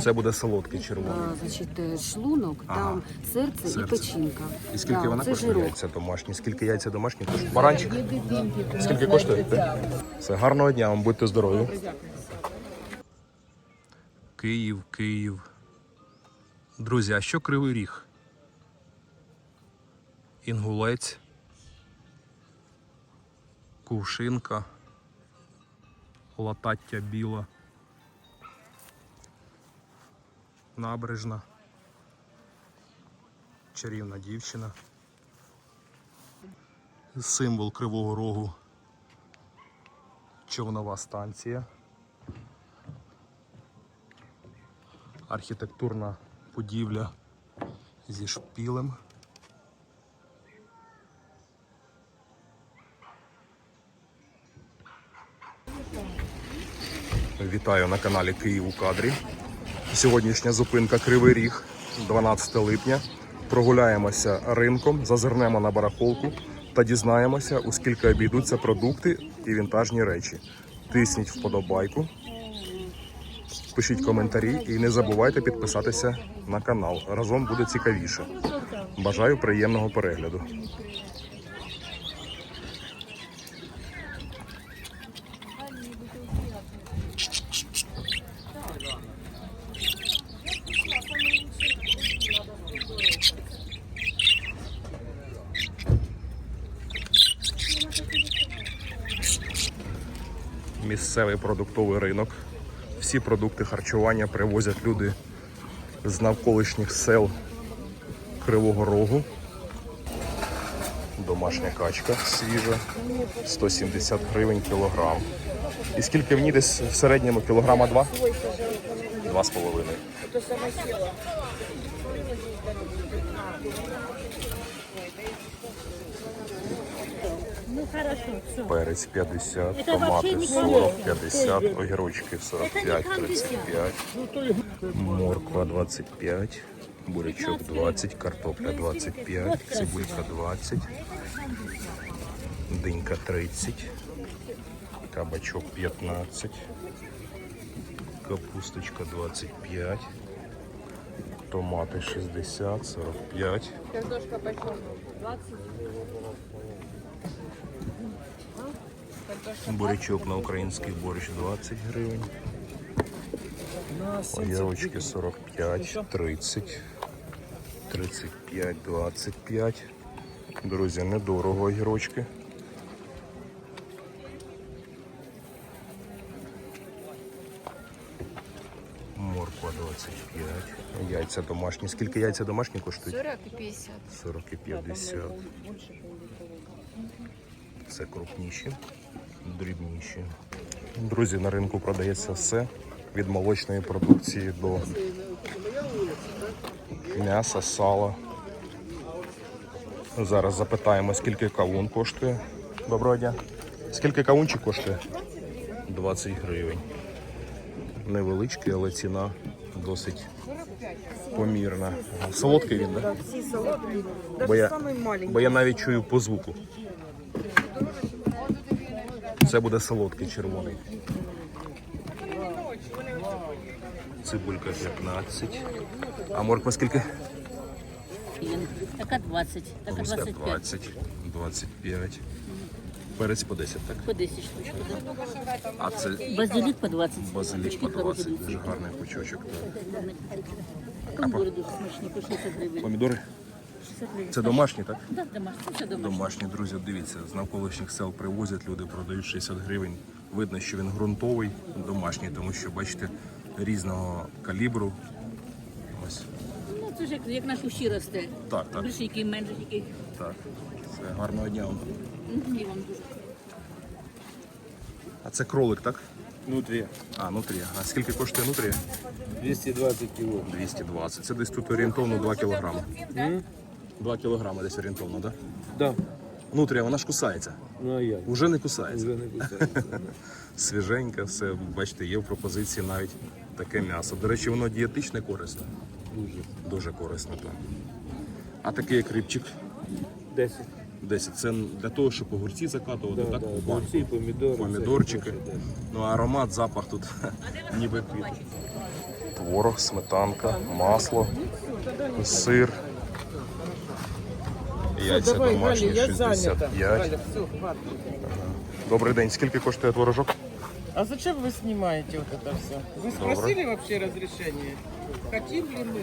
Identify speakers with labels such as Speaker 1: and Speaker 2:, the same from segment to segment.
Speaker 1: Це буде солодкий червоний.
Speaker 2: Значить, шлунок, там серце і печінка.
Speaker 1: І скільки вона
Speaker 2: це
Speaker 1: коштує?
Speaker 2: жирок.
Speaker 1: Яйця домашні. Скільки яйця домашні коштує? Баранчик? Скільки коштує? Все, гарного дня вам, будьте здорові. Київ, Київ. Друзі, а що Кривий Ріг? Інгулець, Кувшинка, Латаття Біла, Набережна, Чарівна дівчина, символ Кривого Рогу, човнова станція, архітектурна будівля зі шпілем. Вітаю на каналі Київ у кадрі. Сьогоднішня зупинка Кривий Ріг, 12 липня. Прогуляємося ринком, зазирнемо на барахолку та дізнаємося, у скільки обійдуться продукти і вінтажні речі. Тисніть вподобайку, пишіть коментарі і не забувайте підписатися на канал. Разом буде цікавіше. Бажаю приємного перегляду. Місцевий продуктовий ринок. Всі продукти харчування привозять люди з навколишніх сел Кривого Рогу. Домашня качка свіжа, 170 гривень кілограм. І скільки в ній десь в середньому? Кілограма 2? 2,5. Перець 50, томати 40, 50, огірочки 45, 35, морква 25, бурячок 20, картопля 25, цибулька 20, динька 30, кабачок 15, капусточка 25, томати 60, 45.
Speaker 3: Картошка почем? 20.
Speaker 1: Бурячок на український борщ 20 гривень. Огірочки 45, 30, 35, 25. Друзі, недорого огірочки. Морква 25. Яйця домашні. Скільки яйця домашні коштують?
Speaker 3: 40 и 50.
Speaker 1: 40 і 50. Це крупніші, дрібніші. Друзі, на ринку продається все. Від молочної продукції до м'яса, сала. Зараз запитаємо, скільки кавун коштує. Доброго дня. Скільки кавунчик коштує? 20 гривень. Невеличкий, але ціна досить помірна. Солодкий він, так?
Speaker 4: Всі солодкі, навіть самий маленький.
Speaker 1: Бо я навіть чую по звуку. Це буде солодкий червоний. Цибулька 15. А морква скільки?
Speaker 5: Така 20, така
Speaker 1: Густа
Speaker 5: 25.
Speaker 1: 20, 25. Перець по 10, так?
Speaker 5: По 10 штучок.
Speaker 1: А це
Speaker 5: Базилік по 20.
Speaker 1: базилік по
Speaker 5: Пучки
Speaker 1: 20.
Speaker 5: хороші.
Speaker 1: Дуже гарний пучочок.
Speaker 5: Помідори дуже смачні, по 60 гривень.
Speaker 1: Помідори?
Speaker 5: 60 гривень.
Speaker 1: Це домашні, так?
Speaker 5: Так, домашні, все домашні.
Speaker 1: Домашні, друзі, дивіться, з навколишніх сел привозять, люди продають 60 гривень. Видно, що він ґрунтовий, домашній, тому що, бачите, різного калібру. Ось.
Speaker 5: Ну, це ж як наш ущі росте.
Speaker 1: Так, так,
Speaker 5: Більше, який менше, який.
Speaker 1: так. Це гарного дня вам.
Speaker 5: І вам дуже.
Speaker 1: А це кролик, так?
Speaker 6: Внутрі.
Speaker 1: А, нутрія. А скільки коштує нутрія?
Speaker 6: 220 кг.
Speaker 1: 220. Це десь тут орієнтовно 2 кілограми. 2 кілограми десь орієнтовно, так?
Speaker 6: Да.
Speaker 1: Нутрія, вона ж кусається.
Speaker 6: Ну а як?
Speaker 1: Уже не кусається.
Speaker 6: Вже не кусається.
Speaker 1: Свіженьке, все, бачите, є в пропозиції навіть таке м'ясо. До речі, воно дієтичне корисне.
Speaker 6: Дуже.
Speaker 1: Дуже корисне, так. А такий як рибчик
Speaker 6: 10.
Speaker 1: 10. Це для того, щоб огурці закатувати,
Speaker 6: Да,
Speaker 1: так?
Speaker 6: да,
Speaker 1: У банку.
Speaker 6: огурці, помідори.
Speaker 1: Помідорчики.
Speaker 6: Це хороше,
Speaker 1: Ну, аромат, запах тут ніби квіт. творог, сметанка, масло, сир. Яйця домашні 65. Добрий день. Скільки коштує творожок?
Speaker 7: А зачем вы снимаете вот это все? Вы спросили вообще разрешение? Хотим ли мы?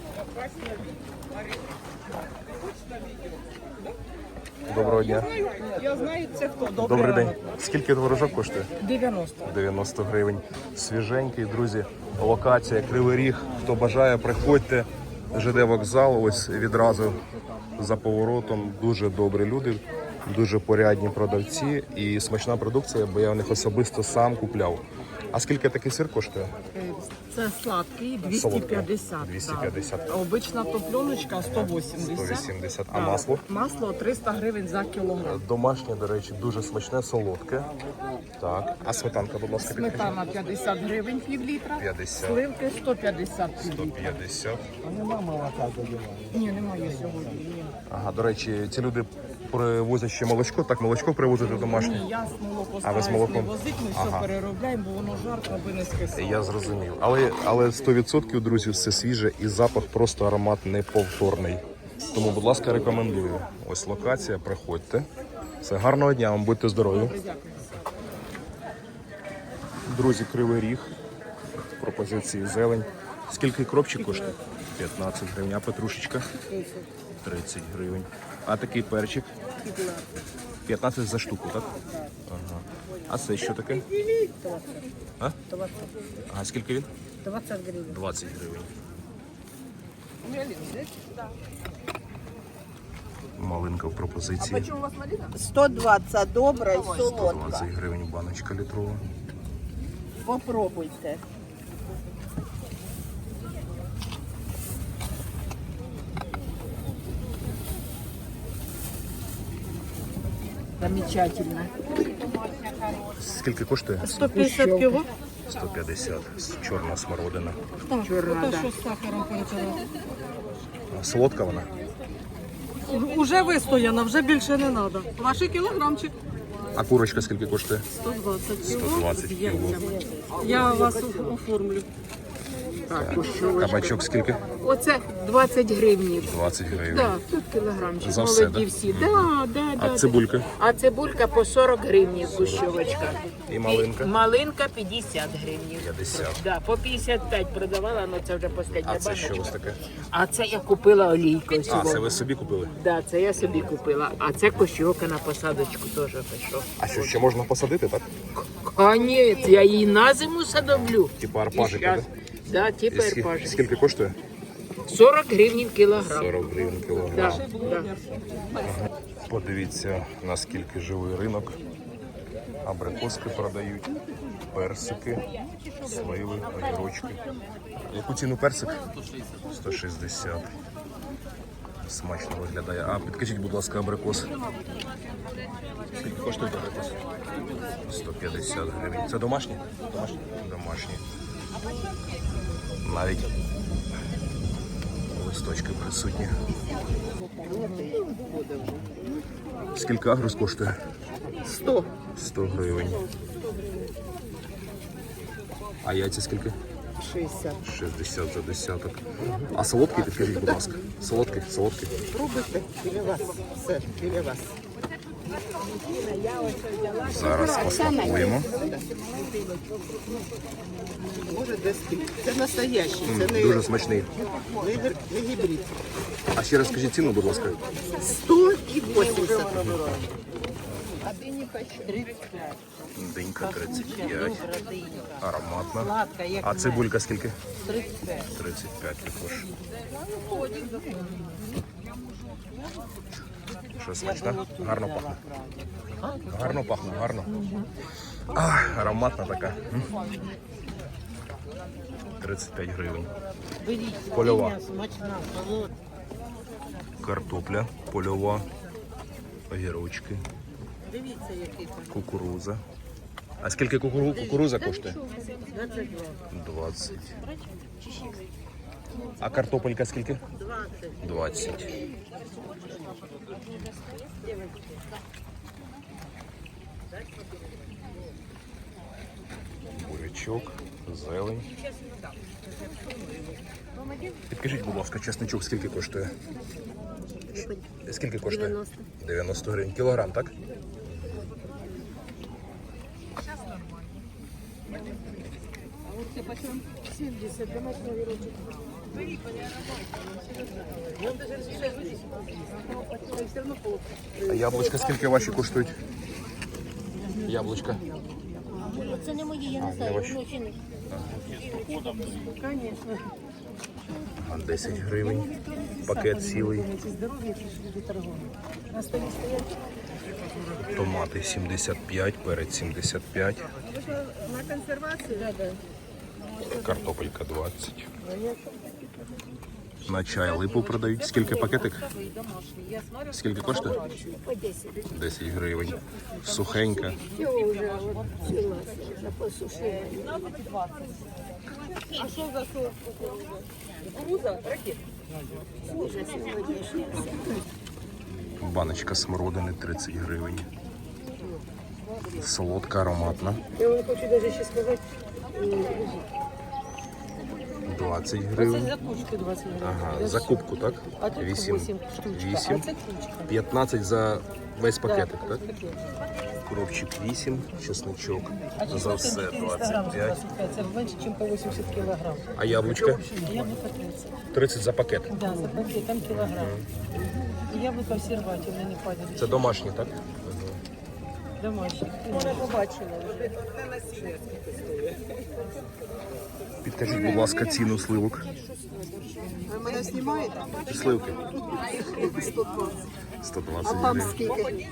Speaker 1: Доброго дня.
Speaker 7: Я знаю, це хто.
Speaker 1: Добрий день. Скільки творожок коштує?
Speaker 7: 90.
Speaker 1: 90 гривень. Свіженький, друзі. Локація Кривий Ріг. Хто бажає, приходьте. ЖД вокзал, ось відразу за поворотом. Дуже добрі люди, дуже порядні продавці і смачна продукція, бо я у них особисто сам купляв. А скільки такий сир коштує?
Speaker 7: Це сладкий,
Speaker 1: Солодкий.
Speaker 7: 250.
Speaker 1: 250.
Speaker 7: Да. Обична топленочка 180.
Speaker 1: 180. А
Speaker 7: Да.
Speaker 1: масло?
Speaker 7: Масло 300 гривень за кілограм.
Speaker 1: Домашнє, до речі, дуже смачне, солодке. Так. А сметанка, будь ласка, підкажіть?
Speaker 7: Сметана 50 гривень пів літра.
Speaker 1: 50.
Speaker 7: Сливки 150 пів літра.
Speaker 1: 150.
Speaker 7: Ні, немає сьогодні. Ні.
Speaker 1: Ага, до речі, ці люди привозять ще молочко, так молочко привозите домашнє?
Speaker 7: Ні, я з молоко
Speaker 1: А ви з
Speaker 7: стараюсь
Speaker 1: молоком?
Speaker 7: не возити, ми
Speaker 1: Ага.
Speaker 7: все переробляємо, бо воно жарко, аби не скисало.
Speaker 1: Я зрозумів. Але 100%, друзі, все свіже і запах просто аромат неповторний. Тому, будь ласка, рекомендую. Ось локація, приходьте. Все, гарного дня вам, будьте здорові. Друзі, Кривий Ріг. Пропозиції зелень. Скільки кропчик коштує? 15 гривень. А петрушечка? 30 гривень. А такий перчик? 15 за штуку, так? Ага. А це що таке? А? А скільки він?
Speaker 7: 20 гривень.
Speaker 1: 20 гривень. Малинка в пропозиції.
Speaker 8: 120 добра і солодка.
Speaker 1: 20 гривень баночка літрова.
Speaker 8: Попробуйте.
Speaker 7: Замечательно.
Speaker 1: Скільки коштує?
Speaker 7: 150 кіло.
Speaker 1: 150. Чорна смородина.
Speaker 7: Чорна, що з сахаром перетирати.
Speaker 1: А солодка вона?
Speaker 7: Уже вистояна, вже більше не треба. Ваші кілограмчик.
Speaker 1: А курочка скільки коштує?
Speaker 7: 120 кіло.
Speaker 1: 120
Speaker 7: з
Speaker 1: кіло.
Speaker 7: яйцями. Я вас оформлю.
Speaker 1: Кабачок скільки?
Speaker 2: Оце 20 гривень.
Speaker 1: 20 гривень.
Speaker 2: Да, тут кілограмчик.
Speaker 1: За все,
Speaker 2: Молоді
Speaker 1: да?
Speaker 2: всі. Да, да,
Speaker 1: А
Speaker 2: да.
Speaker 1: цибулька?
Speaker 9: А цибулька по 40 гривень гущовочка.
Speaker 1: І малинка?
Speaker 9: Малинка 50 гривень.
Speaker 1: 50.
Speaker 9: Да, по 55 продавала, але це вже остання
Speaker 1: А це що
Speaker 9: баночка.
Speaker 1: ось таке?
Speaker 9: А це я купила олійку.
Speaker 1: А, це ви собі купили?
Speaker 9: Да, це я собі купила. А це кощовка на посадочку теж пішов.
Speaker 1: А що, ще можна посадити, так?
Speaker 9: А ні, я її на зиму садовлю.
Speaker 1: Типа арпажика,
Speaker 9: І щас-
Speaker 1: так?
Speaker 9: Да, типу
Speaker 1: І
Speaker 9: арпажик.
Speaker 1: скільки коштує?
Speaker 9: 40 гривень кілограм.
Speaker 1: 40 гривень
Speaker 9: Да,
Speaker 1: кілограм.
Speaker 9: да.
Speaker 1: Подивіться, наскільки живий ринок. Абрикоски продають, персики, сливи, огірочки. Яку ціну персик? 160. Смачно виглядає. А підкажіть, будь ласка, абрикос. Скільки коштує абрикос? 150 гривень. Це домашні? Домашні? Домашні. Навіть листочки присутні. Скільки агрус коштує?
Speaker 7: 100.
Speaker 1: 100 гривень. А яйця скільки?
Speaker 7: 60.
Speaker 1: 60 за десяток. А солодкий, підкажіть, будь ласка. Солодкий, солодкий.
Speaker 7: Пробуйте, біля вас. Все, біля вас.
Speaker 1: Зараз посмакуємо.
Speaker 7: Може десь. Це настоящий, це не,
Speaker 1: Дуже смачний.
Speaker 7: не гібрид.
Speaker 1: А ще раз скажіть ціну, будь ласка.
Speaker 7: 100 і 80.
Speaker 1: Динька 35. Ароматна. А цибулька скільки? 35. 35 також. Що смачно? Гарно пахне. Гарно пахне, гарно. Ароматна така. 35 гривень. Польова. Картопля польова. Огірочки. Кукуруза. А скільки кукуруза коштує? 20. А картопелька скільки? 20. бурячок, зелень. Підкажіть, будь ласка, чесничок скільки коштує? Скільки коштує?
Speaker 2: 90.
Speaker 1: 90 гривень. Кілограм, так? А яблучка скільки ваші коштують? Яблучка.
Speaker 5: Це не мої, я
Speaker 1: А, не ваші. А 10 гривень. Пакет цілий. Томати 75, перець 75.
Speaker 8: На консервацию?
Speaker 1: Картопелька 20. На чай липу продають. Скільки пакетик? Скільки коштує? 10 гривень. Сухенька.
Speaker 8: А что за сорт? Кукуруза? Ракет?
Speaker 1: Баночка смородини 30 гривень. Солодка, ароматна.
Speaker 4: Я вам хочу даже ще сказати,
Speaker 1: 20
Speaker 4: це
Speaker 1: гривень.
Speaker 4: за кучку 20 гривень.
Speaker 1: Ага, за кубку, так?
Speaker 4: А тут 8 штучка, а
Speaker 1: 8.
Speaker 4: це кучка.
Speaker 1: 15 за весь пакетик,
Speaker 4: Да,
Speaker 1: так?
Speaker 4: пакет.
Speaker 1: Коробчик 8, чесночок
Speaker 4: А
Speaker 1: за
Speaker 4: чеснок
Speaker 1: все
Speaker 4: 400 грамм,
Speaker 1: 25.
Speaker 4: це менше, ніж по 80 кілограм.
Speaker 1: А яблучка?
Speaker 4: Яблуко 30.
Speaker 1: 30 за пакет.
Speaker 4: Да, за пакет, там кілограм. І яблуко в серваті, вони не падають.
Speaker 1: Це домашні, так?
Speaker 4: Домашні. Вона побачила вже.
Speaker 1: Підкажіть, будь ласка, ціну сливок.
Speaker 8: Ви мене знімаєте?
Speaker 1: Сливки.
Speaker 8: 120.
Speaker 1: 120
Speaker 8: Там
Speaker 1: гривень.
Speaker 8: скільки?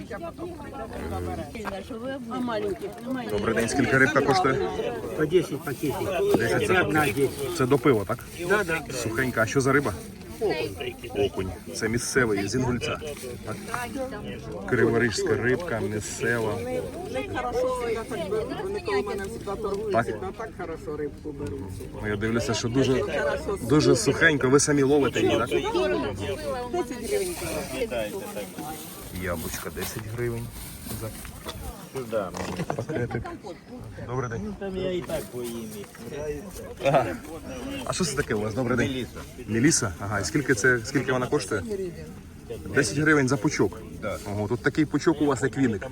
Speaker 5: А маленькі? Немає.
Speaker 1: Добрий день, скільки рибка коштує?
Speaker 6: По 10 пакетів.
Speaker 1: 10 за пакет. Це до пива, так?
Speaker 6: Да, да.
Speaker 1: Сухенька. А що за риба? Окунь. Це місцевий, з Інгульця. Так? Криворижська рибка, місцева.
Speaker 8: Вони хорошо себе так беруть, вони коло мене завжди торгуються,
Speaker 1: Так?
Speaker 8: а так хорошо рибку беруть.
Speaker 1: Ну, я дивлюся, що дуже сухенько. Ви самі ловите її, так?
Speaker 8: 10 гривень.
Speaker 1: Яблучка 10 гривень за пакетик. Добрий день.
Speaker 6: Там я і так поїм.
Speaker 1: А що це таке у вас? Добрий день. Меліса? Ага, і скільки вона коштує? 10 гривень за пучок. Ого, тут такий пучок у вас, як віник.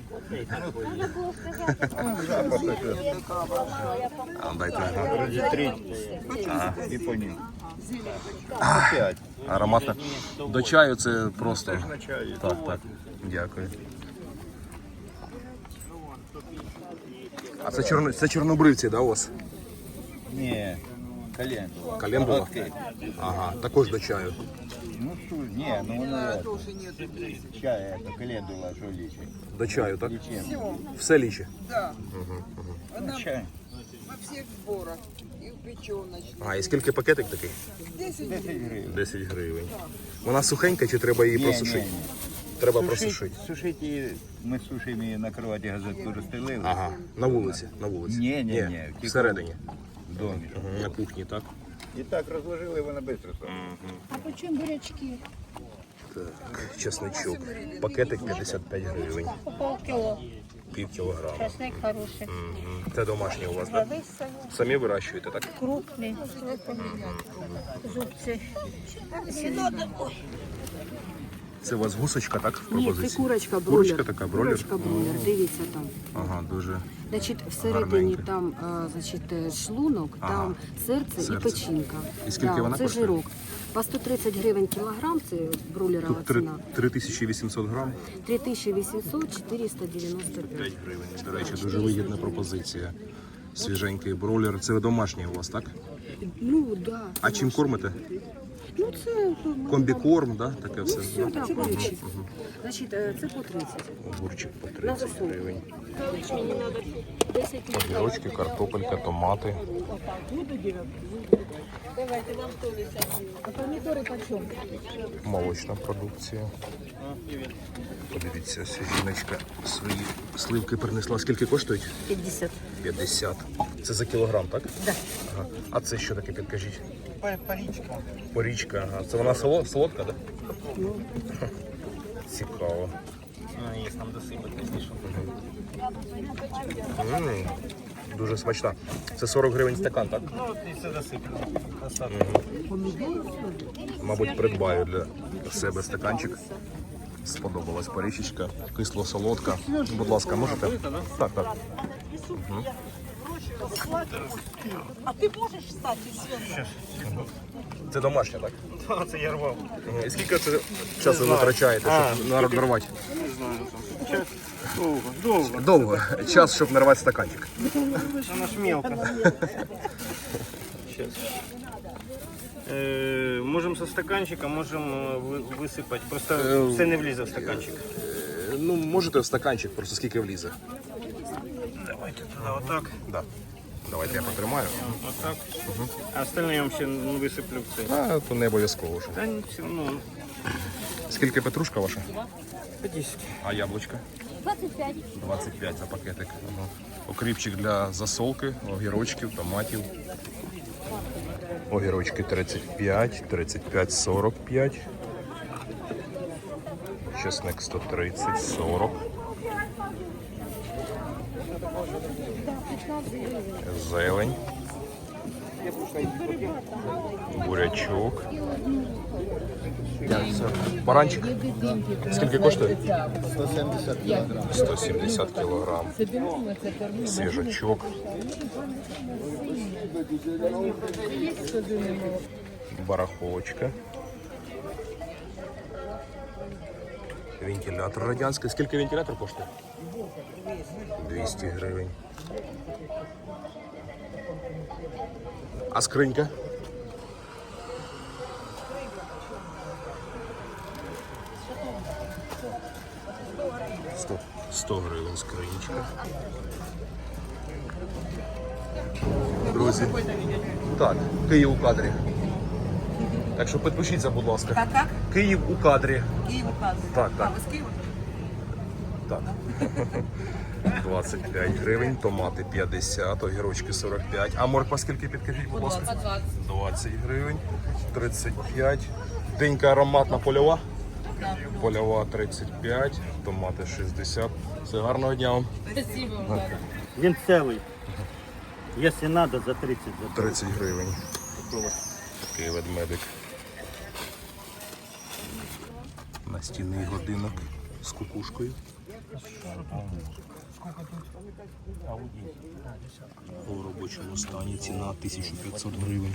Speaker 1: А, дайте. Ага.
Speaker 6: І по ним.
Speaker 1: Ароматно. До чаю це просто. Так, так. Дякую. А це чорнобривці, да, у вас?
Speaker 6: Ні, колен.
Speaker 1: Календула? Ага, також до чаю.
Speaker 6: Ну, ні, ну воно чай, це календула, що лічить.
Speaker 1: До чаю, так?
Speaker 6: Лічим.
Speaker 1: Все ліче.
Speaker 6: Чай.
Speaker 8: Во всіх зборах. І в печеночці.
Speaker 1: А, і скільки пакетик такий?
Speaker 8: 10
Speaker 6: 10 гривень.
Speaker 1: 10 гривень. Вона сухенька чи треба її просушити? Треба просушити.
Speaker 6: Сушити її, ми сушимо її на кроваті газетку розстелили.
Speaker 1: Ага, на вулиці. На вулиці.
Speaker 6: Ні,
Speaker 1: Всередині.
Speaker 6: В домі.
Speaker 1: Мгм, на кухні, так?
Speaker 6: І так розложили, вона швидко стала.
Speaker 5: А по чому бурячки?
Speaker 1: Так, чесничок. Пакетик 55 гривень.
Speaker 5: Полкіло.
Speaker 1: Пів кілограма.
Speaker 5: Часник хороший.
Speaker 1: Мгм. Це домашнє у вас, так? Самі вирощуєте, так?
Speaker 5: Крупний. Зубці.
Speaker 1: Це у вас гусочка, так? В
Speaker 2: Ні,
Speaker 1: пропозиції?
Speaker 2: це курочка бройлер.
Speaker 1: Курочка така, бройлер?
Speaker 2: Курочка бройлер, дивіться там.
Speaker 1: Ага, дуже.
Speaker 2: Значить, всередині
Speaker 1: Гарненько.
Speaker 2: там значить, шлунок,
Speaker 1: Ага.
Speaker 2: там серце,
Speaker 1: Серце.
Speaker 2: і печінка.
Speaker 1: І скільки
Speaker 2: Да,
Speaker 1: вона
Speaker 2: це
Speaker 1: коштує?
Speaker 2: жирок. По 130 гривень кілограм, це бройлерова
Speaker 1: Тут 3,
Speaker 2: ціна.
Speaker 1: 3800 грам,
Speaker 2: 3800, 495.
Speaker 1: 5 гривень. До речі, дуже вигідна пропозиція. Свіженький бройлер. Це домашній у вас, так?
Speaker 2: Ну, да.
Speaker 1: А чим кормите?
Speaker 2: Ну, це
Speaker 1: Комбікорм, да? Таке все.
Speaker 2: все, да, курячі. Значить, це по 30.
Speaker 1: Огурчик по 30 гривень. Огірочки, картопелька, томати. Молочна продукція. Подивіться, жіночка свої сливки принесла. Скільки коштують?
Speaker 5: 50.
Speaker 1: 50. Це за кілограм, так? Так. Ага. А це що таке, підкажіть?
Speaker 7: Парічка.
Speaker 1: Порічка, ага. Це вона солодка, так? Да? Цікаво. Дуже смачна. Це 40 гривень стакан, так?
Speaker 10: Ну, от і це засиплю.
Speaker 1: Мабуть, придбаю для себе стаканчик. Сподобалась порічечка, кисло-солодка. Будь ласка, можете? Так, так.
Speaker 8: А ти можеш стати свинкою?
Speaker 1: Це домашня, так?
Speaker 10: Так, це я рвав.
Speaker 1: І скільки це часу ви витрачаєте, щоб нарвати?
Speaker 10: Не знаю. Час довго.
Speaker 1: Довго. Час, щоб нарвати стаканчик.
Speaker 10: Вона ж мелка. Сейчас. Можемо со стаканчика, можемо висипати. Просто все не влізе в стаканчик.
Speaker 1: Ну, можете в стаканчик, просто скільки влізе.
Speaker 10: Давайте туди отак.
Speaker 1: Да. Давайте я потримаю.
Speaker 10: Отак. А остальне я вам ще висиплю в цей.
Speaker 1: А, то не обов'язково вже.
Speaker 10: Та ну,
Speaker 1: Скільки петрушка ваша?
Speaker 10: 50.
Speaker 1: А яблучка?
Speaker 5: 25.
Speaker 1: 25 за пакетик. Ага. Окріпчик для засолки, огірочків, томатів. Огірочки 35, 35, 45. Чесник 130, 40. Зелень. Бурячок. Баранчик. Скільки коштує?
Speaker 6: 170 кг.
Speaker 1: 170 кілограм. Свіжачок. Барахолочка. Вентилятор радянський. Скільки вентилятор коштує? 200 гривень. А скринька? 100 гривень скринічка. Друзі, так, Київ у кадрі. Так що підпишіться, будь ласка.
Speaker 8: Так?
Speaker 1: Київ у кадрі.
Speaker 8: Київ указує.
Speaker 1: Так, так.
Speaker 8: Ви з Києва?
Speaker 1: Так. 25 гривень, томати 50, огірочки 45. А морква скільки, підкажіть, будь ласка? 20 гривень, 35. Денька ароматна польова? Польова 35, томати 60. Все, гарного дня вам.
Speaker 10: Він цілий. Якщо треба, за 30.
Speaker 1: 30 гривень. Такий ведмедик. Настінний годинок з кукушкою. У робочому стані ціна 1500 гривень.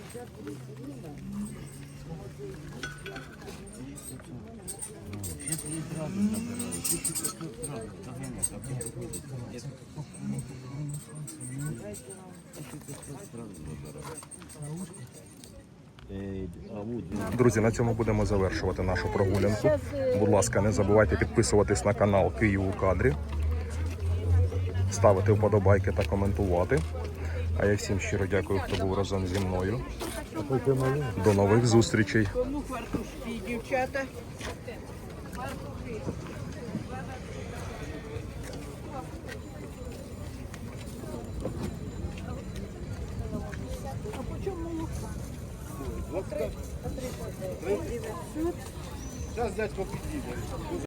Speaker 1: Друзі, на цьому будемо завершувати нашу прогулянку. Будь ласка, не забувайте підписуватись на канал Київ у кадрі, ставити вподобайки та коментувати. А я всім щиро дякую, хто був разом зі мною. До нових зустрічей.
Speaker 8: Кому фартушки, дівчата?
Speaker 10: Зараз дядько підійде.